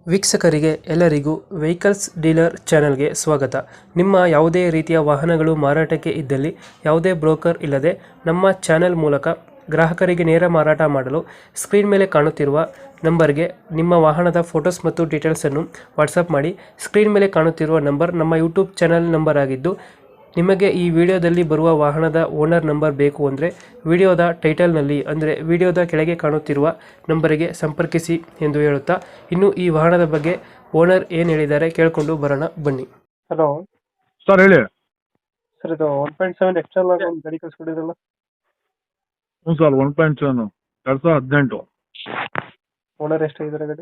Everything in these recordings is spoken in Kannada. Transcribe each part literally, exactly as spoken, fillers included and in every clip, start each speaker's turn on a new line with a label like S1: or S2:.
S1: ವೀಕ್ಷಕರಿಗೆ ಎಲ್ಲರಿಗೂ ವೆಹಿಕಲ್ಸ್ ಡೀಲರ್ ಚಾನೆಲ್ಗೆ ಸ್ವಾಗತ. ನಿಮ್ಮ ಯಾವುದೇ ರೀತಿಯ ವಾಹನಗಳು ಮಾರಾಟಕ್ಕೆ ಇದ್ದಲ್ಲಿ ಯಾವುದೇ ಬ್ರೋಕರ್ ಇಲ್ಲದೆ ನಮ್ಮ ಚಾನೆಲ್ ಮೂಲಕ ಗ್ರಾಹಕರಿಗೆ ನೇರ ಮಾರಾಟ ಮಾಡಲು ಸ್ಕ್ರೀನ್ ಮೇಲೆ ಕಾಣುತ್ತಿರುವ ನಂಬರ್ಗೆ ನಿಮ್ಮ ವಾಹನದ ಫೋಟೋಸ್ ಮತ್ತು ಡೀಟೇಲ್ಸನ್ನು ವಾಟ್ಸಪ್ ಮಾಡಿ. ಸ್ಕ್ರೀನ್ ಮೇಲೆ ಕಾಣುತ್ತಿರುವ ನಂಬರ್ ನಮ್ಮ ಯೂಟ್ಯೂಬ್ ಚಾನೆಲ್ ನಂಬರ್ ಆಗಿದ್ದು, ನಿಮಗೆ ಈ ವಿಡಿಯೋದಲ್ಲಿ ಬರುವ ವಾಹನದ ಓನರ್ ನಂಬರ್ ಬೇಕು ಅಂದರೆ ವಿಡಿಯೋದ ಟೈಟಲ್ನಲ್ಲಿ ಅಂದರೆ ವಿಡಿಯೋದ ಕೆಳಗೆ ಕಾಣುತ್ತಿರುವ ನಂಬರಿಗೆ ಸಂಪರ್ಕಿಸಿ ಎಂದು ಹೇಳುತ್ತಾ, ಇನ್ನು ಈ ವಾಹನದ ಬಗ್ಗೆ ಓನರ್ ಏನು ಹೇಳಿದ್ದಾರೆ ಕೇಳಿಕೊಂಡು ಬರೋಣ ಬನ್ನಿ. ಹಲೋ
S2: ಸರ್ ಹೇಳಿ.
S1: ಸರ್, ಇದು ಒನ್ ಪಾಯಿಂಟ್ ಸೆವೆನ್ ಎಕ್ಸ್ಟ್ರಾ ಒಂದು ಗಾಡಿ ಕಳಿಸ್ಕೊಟ್ಟಿದ್ರಲ್ಲ?
S2: ಹ್ಞೂ ಸರ್, ಒನ್ ಪಾಯಿಂಟ್ ಸೆವೆನ್ ಎರಡು ಸಾವಿರದ ಹದಿನೆಂಟು.
S1: ಓನರ್ ಎಷ್ಟಾಗಿದ್ದಾರೆ ಗಾಡಿ?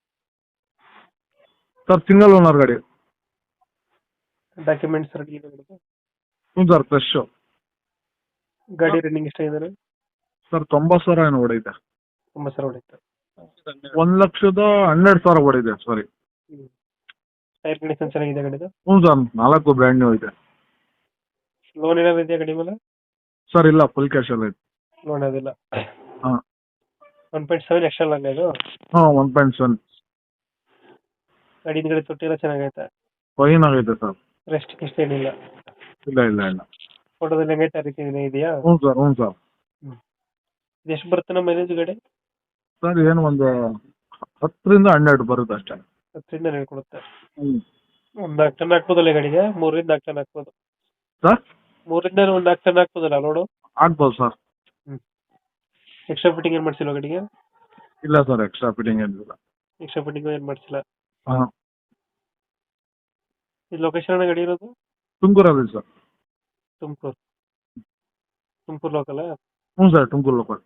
S2: ಸರ್ ಸಿಂಗಲ್ ಓನರ್ ಗಾಡಿ.
S1: ಡಾಕ್ಯುಮೆಂಟ್ಸ್ ರೆಡಿ ಇದೆ ಗಾಡಿದು?
S2: ಹ್ಞೂ ಸರ್, ಫ್ರೆಶ್.
S1: ಗಾಡಿ ರನ್ನಿಂಗ್ ಎಷ್ಟಾಗಿದ್ದಾರೆ?
S2: ಸರ್ ತೊಂಬತ್ತು ಸಾವಿರ ಏನು ಹೊಡೈತೆ.
S1: ಒಂಬತ್ತು ಸಾವಿರ ಹೊಡೆಯುತ್ತೆ.
S2: ಒಂದು ಲಕ್ಷದ ಹನ್ನೆರಡು ಸಾವಿರ ಹೊಡಿದೆ ಸಾರಿ.
S1: ಟೈರ್ ಕಂಡೀಷನ್ ಚೆನ್ನಾಗಿದೆ ಗಾಡಿದು?
S2: ಹ್ಞೂ ಸರ್, ನಾಲ್ಕು ಬ್ರ್ಯಾಂಡ್ ನ್ಯೂ ಇದೆ.
S1: ಲೋನ್ ಏನಾದ್ರು ಇದೆಯಾ ಗಾಡಿ ಮೇಲೆ?
S2: ಸರ್ ಇಲ್ಲ, ಫುಲ್ ಕ್ಯಾಶ್ ಎಲ್ಲ ಇದೆ.
S1: ಲೋನ್ ಅದಿಲ್ಲ.
S2: ಹಾಂ
S1: one point seven extra long ಇದು?
S2: ಹಾಂ, ಒನ್ ಪಾಯಿಂಟ್ ಸೆವೆನ್.
S1: ಗಾಡಿ ಹಿಂದ್ಗಡೆ ತೊಟ್ಟಿ ಎಲ್ಲ ಚೆನ್ನಾಗೈತೆ?
S2: ಫೈನ್ ಆಗೈತೆ ಸರ್.
S1: ರೆಸ್ಟ್ ಗಿಸ್ಟ್ ಏನಿಲ್ಲ?
S2: ಇಲ್ಲ ಇಲ್ಲ ಇಲ್ಲ.
S1: ಫೋಟೋದಲ್ಲಿ ಹೆಂಗೈತೆ ಆ ರೀತಿ ಇದೆಯಾ?
S2: ಹ್ಞೂ ಸರ್, ಹ್ಞೂ ಸರ್.
S1: ಇದು ಎಷ್ಟು ಬರುತ್ತೆ ನಮ್ಮ ಮೈಲೇಜ್ ಗಾಡಿ?
S2: ಸರ್ ಏನು ಒಂದು ಹತ್ತರಿಂದ ಹನ್ನೆರಡು ಬರುತ್ತೆ ಅಷ್ಟೇ.
S1: ಹತ್ತರಿಂದ ಹನ್ನೆರಡು ಕೊಡುತ್ತೆ.
S2: ಹ್ಞೂ.
S1: ಒಂದು ನಾಲ್ಕು ಟನ್ ಹಾಕ್ಬೋದಲ್ಲ ಗಾಡಿಗೆ? ಮೂರರಿಂದ ನಾಲ್ಕು ಟನ್ ಹಾಕ್ಬೋದು.
S2: ಸರ್
S1: ಮೂರಿಂದ ಒಂದು ನಾಲ್ಕು ಟನ್ ಹಾಕ್ಬೋದಲ್ಲ ಲೋಡು?
S2: ಆಗ್ಬೋದು ಸರ್.
S1: ಹ್ಞೂ. ಎಕ್ಸ್ಟ್ರಾ ಫಿಟ್ಟಿಂಗ್ ಏನು ಮಾಡಿಸಿಲ್ವ ಗಾಡಿಗೆ?
S2: ಇಲ್ಲ ಸರ್, ಎಕ್ಸ್ಟ್ರಾ ಫಿಟ್ಟಿಂಗ್ ಏನಿಲ್ಲ.
S1: ಎಕ್ಸ್ಟ್ರಾ ಫಿಟ್ಟಿಂಗ್ ಏನು ಮಾಡಿಸಿಲ್ಲ.
S2: ಹಾಂ.
S1: ಇದು ಲೊಕೇಶನ್ ಗಾಡಿ ಇರೋದು?
S2: ತುಮಕೂರಲ್ಲಿ ಸರ್.
S1: ತುಮಕೂರು ತುಮಕೂರು ಲೋಕಲ್?
S2: ಹ್ಞೂ ಸರ್, ತುಮಕೂರು ಲೋಕಲ್.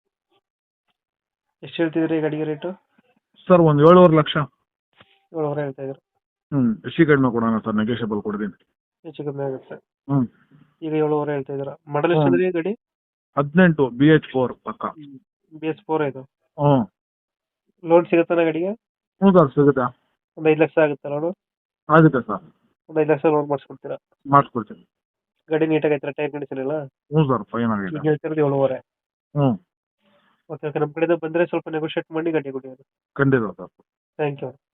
S1: ಎಷ್ಟು ಹೇಳ್ತಿದ್ರಿ ಈ ಗಾಡಿಗೆ ರೇಟು?
S2: ಸರ್ ಒಂದು ಏಳುವರೆ ಲಕ್ಷ.
S1: ಏಳುವರೆ ಹೇಳ್ತಾ ಇದ್ರು.
S2: ಹ್ಞೂ, ಹೆಚ್ಚು ಕಡಿಮೆ ಕೊಡೋಣ ಸರ್, ನೆಗೋಷಿಯಬಲ್ ಕೊಡ್ತೀನಿ.
S1: ಹೆಚ್ಚು ಕಮ್ಮಿ ಆಗುತ್ತೆ.
S2: ಹ್ಞೂ.
S1: ಈಗ ಏಳುವರೆ ಹೇಳ್ತಾ ಇದ್ದೀರಾ. ಮಾಡಲ್ ಎಷ್ಟಿದ್ರಿ ಗಾಡಿ?
S2: ಹದಿನೆಂಟು ಬಿ ಎಚ್ ಫೋರ್ ಪಕ್ಕ.
S1: ಬಿ ಎಸ್ ಫೋರ್ ಇದು?
S2: ಹ್ಞೂ.
S1: ಲೋನ್ ಸಿಗುತ್ತಾನ ಗಾಡಿಗೆ?
S2: ಹ್ಞೂ ಸರ್, ಸಿಗುತ್ತೆ.
S1: ಒಂದು ಐದು ಲಕ್ಷ ಆಗುತ್ತೆ ಲೋನು?
S2: ಆಗುತ್ತೆ ಸರ್.
S1: ಒಂದು ಐದು ಲಕ್ಷ ಲೋನ್ ಮಾಡಿಸ್ಕೊಡ್ತೀರಾ?
S2: ಮಾಡಿಸ್ಕೊಡ್ತೀನಿ.
S1: ಗಾಡಿ ನೀಟಾಗಿ ಐತ್ರ? ಟೈರ್ ಕಂಡೀಷನ್ ಎಲ್ಲ?
S2: ಹ್ಞೂ ಸರ್, ಫೈನ್ ಆಗಿದೆ.
S1: ಈಗ ಹೇಳ್ತಿರೋದು ಏಳುವರೆ?
S2: ಹ್ಞೂ.
S1: ಓಕೆ ಓಕೆ, ನಮ್ಮ ಕಡೆಯಿಂದ ಬಂದರೆ ಸ್ವಲ್ಪ ನೆಗೋಷಿಯೇಟ್ ಮಾಡಿ ಗಾಡಿ ಕೊಡಿ.
S2: ಖಂಡಿತ ಸರ್.
S1: Thank you.